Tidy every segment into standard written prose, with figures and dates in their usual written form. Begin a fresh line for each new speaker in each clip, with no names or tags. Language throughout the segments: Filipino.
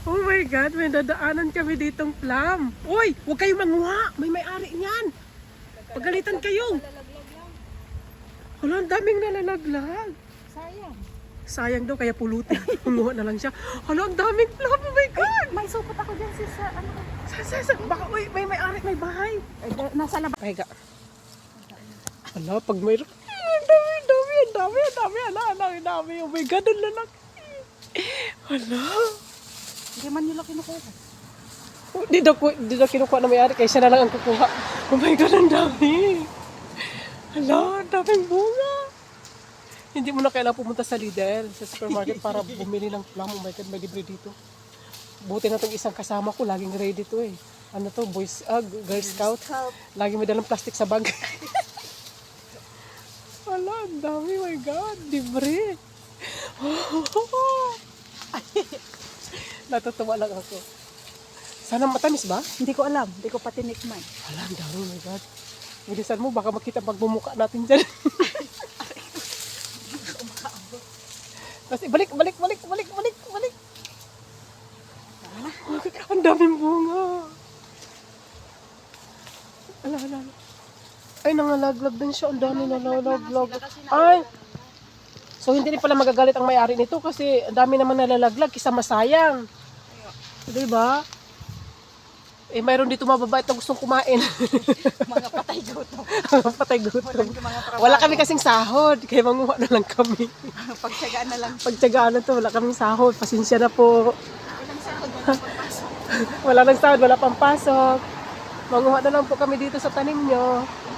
Oh my God, may dadaanan kami ditong plum. Uy, huwag kayong manguha. May may-ari niyan. Pagalitan kayo. Hala, ang daming nalalaglag.
Sayang.
Sayang daw, kaya pulutin. Manguha na lang siya. Hala, ang daming plum. Oh my God.
May supot ako dyan sa ano.
Baka, uy, may may-ari, may bahay.
Nasa labas.
Pahiga. Hala, pag mayroon. Ang dami. Oh my God, ang lalaki. Hala.
Hindi man nila kinukuha.
Di daw kinukuha na may-ari, kaya siya na lang ang kukuha. Oh my God, ang dami. Hala, ang daming bunga. Hindi mo na kailangan pumunta sa Lidl, sa supermarket para bumili ng plum. Oh my God, may libre dito. Buti na itong isang kasama ko, laging ready to eh. Ano to, Girl Scout. Lagi may dalang plastic sa bag. Hala, ang dami, my God, libre. Natutuwa lang ako. Sana matamis ba?
Hindi ko alam. Hindi ko pa tinikman.
Hala, ang dami, my God. Bilisan mo, baka makita pagmumuka natin dyan. Kasi balik. Ang daming bunga. Ala. Ay, nangalaglag din siya. Ang dami nalalaglag. Ay! So, hindi rin pala magagalit ang may-ari nito kasi ang dami naman nalalaglag kisa masayang. Diba? Eh, mayroon dito mababait na gustong kumain.
Mga patay gutom.
Patay gutom. Wala kami kasing sahod, kaya manguha na lang kami.
Pagtsagaan na lang.
Pagtsagaan na to, wala kaming sahod. Pasensya na po.
Ilang sahod na pagpasok.
Wala nang sahod, wala pang pasok. Manguha na lang po kami dito sa tanim nyo.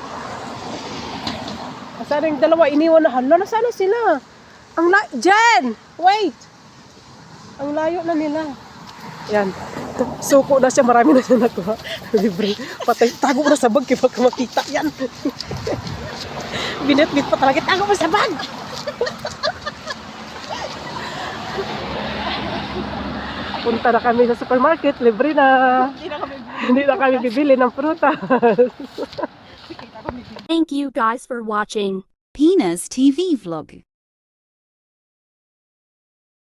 Sana yung dalawa, iniwan na. Hala, nasaan sila? Jen! Wait! Ang layo na nila. Yan. Suko na siya, marami na siya nakuha. Libre. Patay, tago mo na sa bag, kaya baka makita. Yan. Binit-bit pa talaga, tago mo sa bag! Punta na kami sa supermarket, libre na. Hindi na kami bibili ng prutas.
Thank you guys for watching Pena's TV vlog.